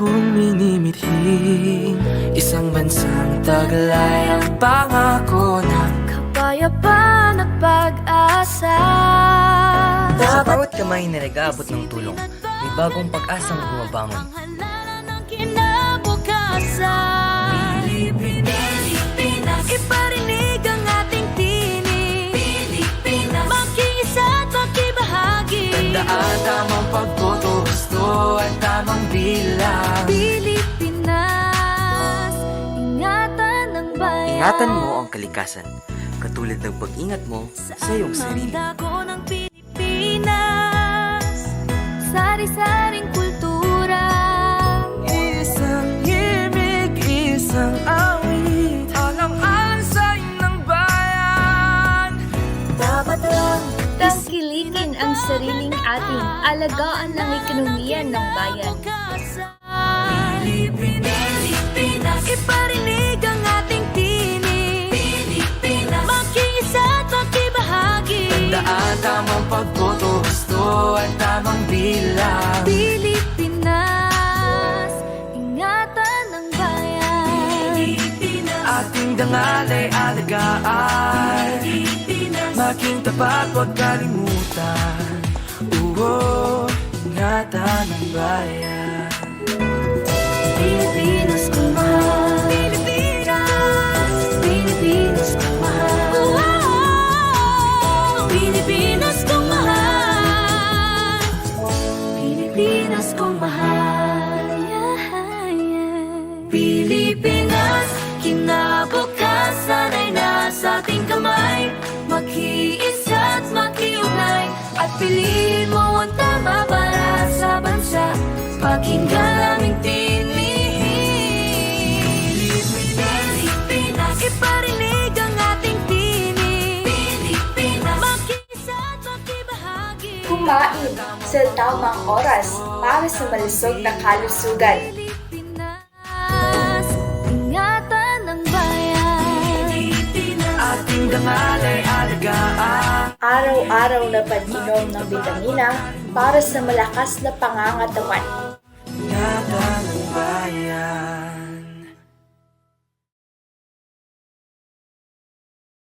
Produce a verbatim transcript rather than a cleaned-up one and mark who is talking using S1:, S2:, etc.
S1: kong minimithing isang bansang taglay ang pangako ng
S2: kapayapaan at pag-asa.
S3: Sa bawat kamay na nag-aabot ng tulong, may bagong pag-asang bumabangon.
S2: Halalan ng kinabukasan. Pilipinas, iparinig ang ating tinig. Pilipinas, makiisa at makibahagi.
S1: Tandaan tamang pagboto, gusto at tamang bilang.
S2: Pilipinas, ingatan ng bayan.
S3: Ingatan mo ang kalikasan, katulad ng pag-ingat mo sa iyong sarili.
S2: Ang dago ng Pilipinas, sari-saring kultura.
S1: Isang himig, isang awit, alang-alang sa ng bayan.
S2: Dapat lang tangkilikin ang sariling ating, alagaan ang ekonomiya ng bayan. Pilipinas, iparinig ang ating tinig. Pilipinas, makiisa at makibahagi.
S1: Tandaan tamang pagboto, gusto at tamang bilang.
S2: Pilipinas, ingatan ng bayan.
S1: Ating dangal ay alagaan. Maging tapat, huwag kalimutan. Oo, ingatan ng bayan.
S2: Pilipinas kong mahal. Pilipinas, Pilipinas kong mahal. Wow! Pilipinas kong mahal. Pilipinas kong mahal. Yeah, yeah. Pilipinas, kinabukasan ay nasa ating kamay. Makiisa at makiugnay, at piliin mo ang tama para sa bansa. Pakinggan aming tinig. Pilipinas, iparinig ang ating tinig. Pilipinas, makiisa at makibahagi.
S4: Kumain sa tamang oras para sa malusog na kalusugan.
S2: Pilipinas, ingatan ng bayan.
S1: Ating dangal ay alagaan.
S4: Araw-araw na pag-inom ng bitamina para sa malakas na pangangatawan.